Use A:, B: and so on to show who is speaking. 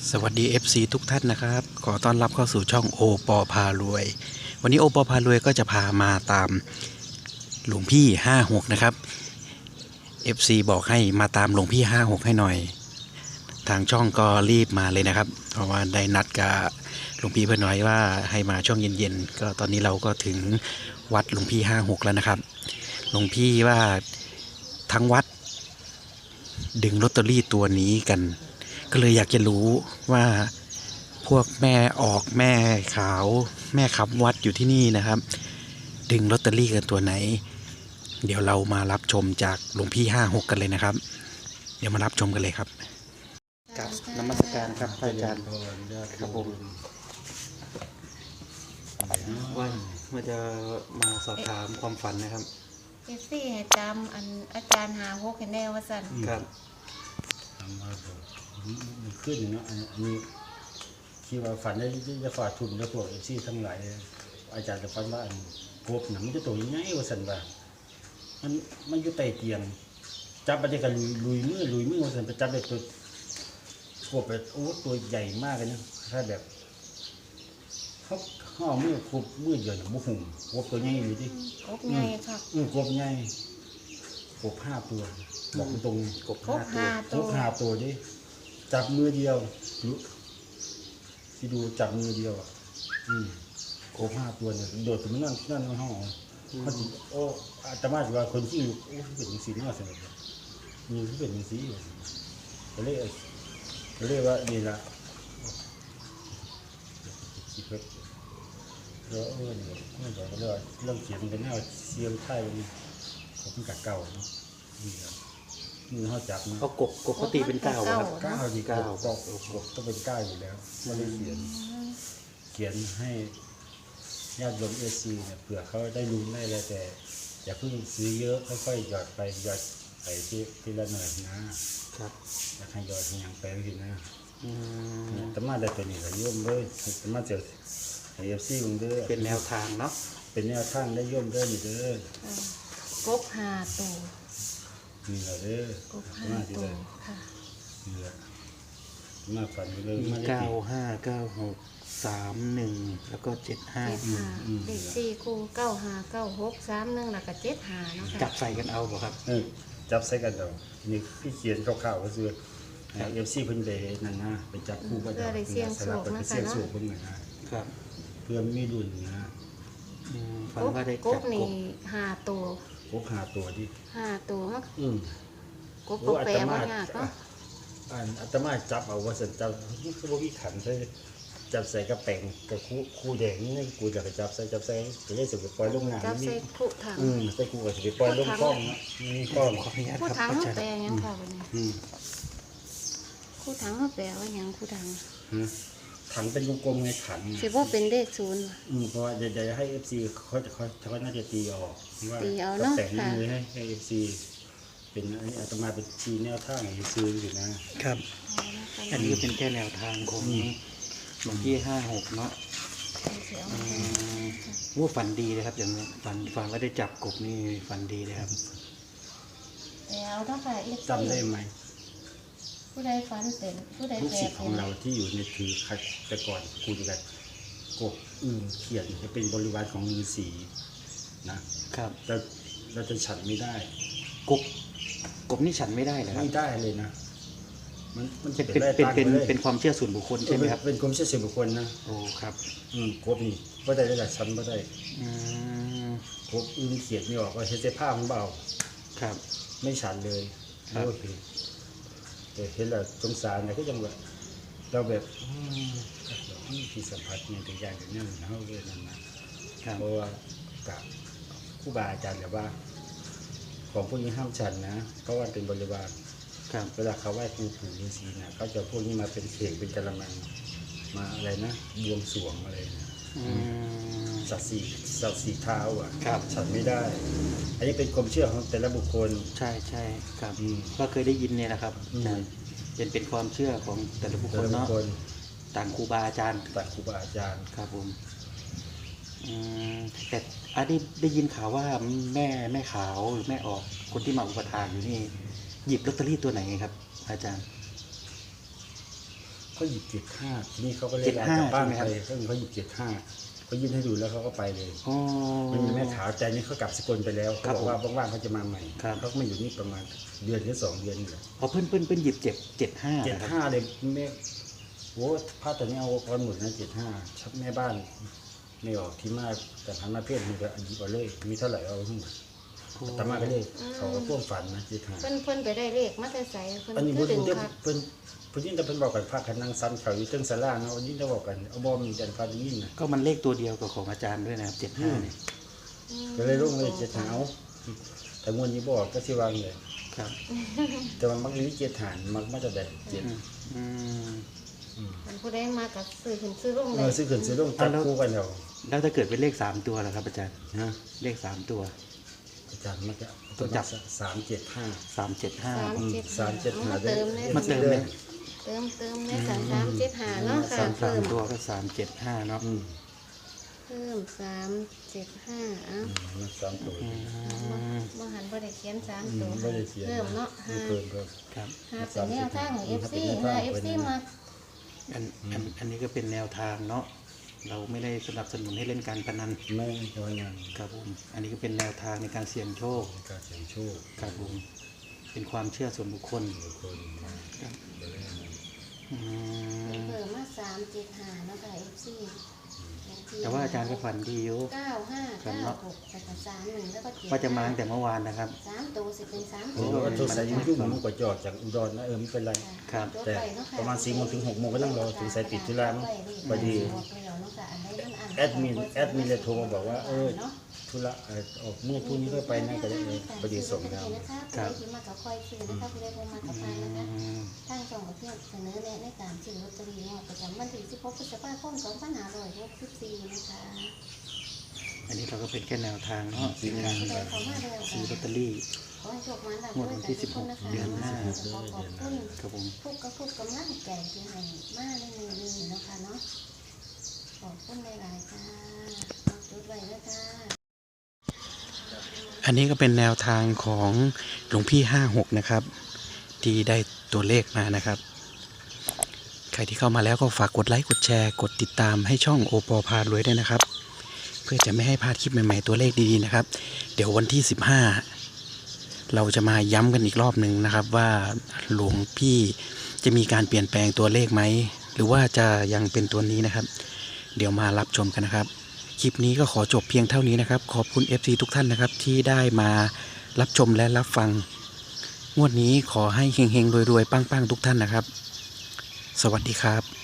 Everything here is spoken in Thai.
A: สวัสดี FC ทุกท่านนะครับขอต้อนรับเข้าสู่ช่องโอปอพารวยวันนี้โอปอพารวยก็จะพามาตามหลวงพี่56นะครับ FC บอกให้มาตามหลวงพี่56ให้หน่อยทางช่องก็รีบมาเลยนะครับเพราะว่าได้นัดกับหลวงพี่เพื่อนน้อยว่าให้มาช่วงเย็นๆก็ตอนนี้เราก็ถึงวัดหลวงพี่56แล้วนะครับหลวงพี่ว่าทั้งวัดดึงลอตเตอรี่ตัวนี้กันก็เลยอยากจะรู้ว่าพวกแม่ออกแม่ขาวแม่ขับวัดอยู่ที่นี่นะครับดึงลอตเตอรี่กันตัวไหนเดี๋ยวเรามารับชมจากหลวงพี่56กันเลยนะครับเดี๋ยวมารับชมกันเลยครับกับนมัสการครับพระอาจารย์ครับผมว่าจะมาสอบถามความฝันนะครับ
B: ซี่ให้จำอันอาจารย์56ให้แน่ว่าสั่น
A: ครับ
C: ทำมาแบบมันขึ้นเนาะอันนี้ที่ว่าฝันได้จะฝากทุนแล้วพวกFCทั้งหลายอาจารย์จะฝันว่าอันกบหนังมันจะตัวยังไงว่าสันว่ามันอยู่ใต้เตียงจับไปกันลุยมือว่าสันไปจับได้ตัวกบแบบโอ้ตัวใหญ่มากเลยนะถ้าแบบเขาห่อมือคุบมือเดียวเนี่ยบุหุ่มกบตัวใหญ่อยู่ดิ
B: กบใหญ่ค่ะ
C: กบใหญ่กบ5 ตัวบอกตรง
B: กบ
C: 5 ตัวดิจับมือเดียวที่ดูจับมือเดียวกบ5 ตัวเนี่ยโดดถึงนั่นในห้องเขาจิโอ้อาตมาจะว่าคนที่อยู่โอ้เป็นอย่างสีนี่มาสนุกมีที่เป็นอย่างสีก็เลยว่านี่ละคิดว่าแล้วเนี่ยไม่บอกก็เลยเรื่องเขียนเป็นแนวเสียงไทยเขาเป็นกะเก่าเนาะนี่ครับมือเขาจับนะ
A: เอากบปกติเป็น9ครับ
C: 9ดี9ก็ต้องเป็น9อยู่แล้วไม่ได้เขียนให้ญาติโยมเนี่ยเผื่อเขาได้รู้ได้แล้วแต่อย่าเพิ่งซื้อเยอะค่อยๆหยอดไปหยอดไปทีละหน่อยนะครับอยากให้หยอดอย่างไปทีนะแต่มาได้ตัวนี้ละโยมเลยแต่มาเจอFCมึงเด้อ
A: เป็นแนวทางเนาะ
C: เป็นแนวทางได้โยมเด้อนี่เด้อก
B: บ5 ตัว
C: นี่แหละเด้อก
B: บ5 ตัวค่ะ
C: นี่แหละมาฝันไปเลย
A: มี959631แล้วก็75
B: เลข4คู่959631แล้วก็75เนาะค่ะ
A: จับใส่กันเอาบ่ครับ
C: จับใส่กันเอานี่พี่เขียนคร่าวๆก็คือFC เพิ่นไปนั่นนะไปจับคู่ก็ได้
B: เสี่ยงโชคนะคะเนาะ
C: เพิ่นนะครับเพื่อมีรุ่นนะ
A: ฝันว่าได้
B: จับกบนี่5 ตัว
C: กบ5 ตัวดิ
B: 5 ตัวมั้งกบแปลว่ายากเนาะ
C: อาตมาจับเอาว่าสันจับคือบ่มีขันใส่จับใส่กระแป้งกับคู่แดงนี่กูจะไปจับใส่ก็เลยสิไปปล่อยลงน้ำ
B: จับใส่คู่ถัง
C: ใส่กูก็สิไปปล่อยลงคลองนะมีคลอง
B: คู่ถังเฮาแปลหยังค่ะบัดนี้คู่ถังเฮาแปลว่าหยังคู่ถัง
C: ถังเป็นกลมๆไงขัน
B: สิบ่เป็นเลข0
C: เพราะว่าเดี๋ยวให้ FC เขาน่าจะตีออกว่า
B: แต่
C: งมือให้ FC เป็นอาตมาเป็นชี้แนวทางให้ซื้ออยู่นะครับ
A: อันนี้เป็นแค่แนวทางของหลวงพี่56เนาะว่าฝันดีเลยครับอย่างนี้ฝันว่าได้จับกบนี่ฝันดีเลยครับ
B: แล้วถ้าใคร
C: จำได้ไหม
B: ผู้ใดฝันเป็นผู้ใด
C: ลูกศิษย์ของเราที่อยู่ในถือแต่ก่อนคุยกันกบเขียนจะเป็นบริวารของฤาษีนะครับแต่เราจะฉันไม่ได้
A: กบนี่ฉันไม่ได้เลยครับ
C: ไม่ได้เลยนะมันจะ
A: เป็นความเชื่อส่วนบุคคลใช่ไหมครับ
C: เป็นความเชื่อส่วนบุคคลนะ
A: โอ้ครับ
C: กบนี่ก็ได้หลายชั้นก็ได้กบเขียนไม่ออกว่าเห็นแต่ผ้าของเบา
A: ครับ
C: ไม่ฉันเลยโอเคแต่เห็นแล้วสงสารนะก็ยังแบบเราแบบที่สัมผัสเนี่ยตัวอย่างอย่างนี้เขาเลยนั่นนะเพราะว่ากับครูบาอาจารย์แบบว่าของพวกนี้ห้ามฉันนะเพราะว่าเป็นบริวารเวลาเขาไหว้ครูปู่ฤาษีนะเขาจะพวกนี้มาเป็นเข่งเป็นกะละมังมาอะไรนะบวงสรวงอะไรนะสัตว์สีเท้าฉันไม่ได้อันนี้เป็นความเชื่อของแต่ละบุคคล
A: ใช่ครับก็เคยได้ยินเนี่ยนะครับเป็นความเชื่อของแต่ละบุคคลเนาะต่างครูบาอาจารย์
C: ครับ
A: ผมแต่อันนี้ได้ยินข่าวว่าแม่ขาวหรือแม่ออกคนที่มาอุปถากอยู่นี่หยิบลอตเตอรี่ตัวไหนครับอาจารย์
C: เขาหยิบ75ทีนี้เขาก็เลยลากลับบ้านไปเขาหยิบ75เขายื่นให้ดูแล้วเขาก็ไปเลย
A: อ๋อ
C: มันมีแม่ขาวใจนี่เขากลับสกลไปแล้วเขาบอกว่าว่างๆเขาจะมาใหม่
A: ครับ
C: เขาก็มาอยู่นี่ประมาณเดือนหรือ2 เดือนนี่แหละ
A: พอเพิ่นหยิบ75นะครับ
C: 75เลยแม่โอ้ผ้าตัวนี้เอาก้อนหมดนะ75ชักแม่บ้านไม่ออกที่มากแต่พันมาเพศมันก็หยิบเอาเลยมีเท่าไหร่เอาทั้งหมดแต่มาก็เลยเขาก็พ่วงฝันนะ75
B: เพิ่นไปได้เลขมาแต่ไสเพิ่น
C: อันนี้
B: คื
C: พู
B: อ
C: ด
B: ดึง
C: เดี๋ยว
B: คัก
C: เพิ่นยิ่งแต่เพิ่นบอกกันพากันนั่งซันเขาอยู่เทิงศาลาเนาะยิ่งจะบอกกันเอาบ่มีจันทร์ฟ้ายิ่งนะ
A: ก็มันเลขตัวเดียวกับของอาจารย์ด้วยนะครับ75เนี่ย
C: ก็เลยลงเลย7 หาเอาแต่งวดนี้บอกก็สิวางเลย
A: ครับ
C: แต่ว่ามักมี7 หารมักมาจะได้7
A: อืม
B: มันผู้ใดมากับซื้อขึ้นซื้อลง
C: เอ
B: เล
C: อย ซื้อขึ้นซื้อลงจับคู่กันเอา
A: แล้วถ้าเกิดเป็นเลข3ตัวล่ะครับอาจารย์
C: ฮะ
A: เลข3ตัว
C: อาจารย์มันก็
A: ตัวจับ
C: 375
A: 375
C: 375
B: มาเติมเลย
A: มาเติมเลย
B: เติมใน375เนาะค่ะ
A: สา
B: เพิ่
A: ม
B: ม
A: ตัวก็375เนาะ
B: เพิ่ม375อ่ะ
C: มัน3ตัว
B: บ่หันบ่ได้เขียน3ตัว
C: ไม่ได้เขียน
B: เพิ่มเนาะ
C: เพิ่ม
A: ครับ
B: หาเป็นแนวทางของ FC หา FC มา
A: อันนี้ก็เป็นแนวทางเนาะเราไม่ได้สนับสนุนให้เล่นการพนัน
C: ไม่ใช่ว่าอย่าง
A: ครับผมอันนี้ก็เป็นแนวทางในการเสี่ยงโชค
C: การเสี่ยงโชค
A: ครับผมเป็นความเชื่อส่วนบุคคล
C: คนมา
A: อืม
B: เพิ่มมา375เนาะค่ะ FC
A: แต่ว่าอาจารย์ก็ฝันดีอยู่
B: 9596แล้วก็31แล้วก็7
A: ว่าจะมาตั้งแต่เมื่อวานนะครับ
B: 3ตัวสิเป็น3
C: โอ้
B: ตัว
C: ก็โทรศัพท์ยุ่งๆมันกว่าจอดจากอุดรนะไม่เป็นไร
A: ครับ
C: แต่ประมาณ4 โมงถึง 6 โมงก็ต้องรอถึงสายปิดธุระมั้งพอดีแอดมินเลยโทรมาบอกว่าธุระออกมือพรุ่งนี้ก็ไปนะก็ได้พอดีส่งแล้ว
B: ครับที่มากับคอยซื้อนะคะผู้ใดบ่มากับพานนะคะ
A: อืม
B: ทางช่องก็เพียงเสนอแนะในการซื้อลอตเตอรี่งวดประจำวันที่16พฤษภาคม2564นะคะ
A: อันนี้เราก็เป็นแค่แนวทางเนาะในการ
B: ผู้ใดเข้ามาแล้ว
A: ซื้อลอตเตอรี่
B: ขอให้โชคมันร่ำรวยกันทุกคนนะคะ
A: เดือนหน้า
B: ขอขอบคุณ
A: ครับผม
B: ทุกกำลังใจที่ให้มาในมือนี้เนาะคะเนาะขอบคุณหลายๆค่ะจุดไว้ด้วยค่ะ
A: อันนี้ก็เป็นแนวทางของหลวงพี่56นะครับที่ได้ตัวเลขมานะครับใครที่เข้ามาแล้วก็ฝากกดไลค์กดแชร์กดติดตามให้ช่องโอปอพารวยด้วยนะครับ เพื่อจะไม่ให้พลาดคลิปใหม่ๆตัวเลขดีๆนะครับเดี๋ยววันที่15เราจะมาย้ำกันอีกรอบหนึ่งนะครับว่าหลวงพี่จะมีการเปลี่ยนแปลงตัวเลขไหมหรือว่าจะยังเป็นตัวนี้นะครับเดี๋ยวมารับชมกันนะครับคลิปนี้ก็ขอจบเพียงเท่านี้นะครับขอบคุณ FC ทุกท่านนะครับที่ได้มารับชมและรับฟังงวดนี้ขอให้เฮงๆรวยๆปังๆทุกท่านนะครับสวัสดีครับ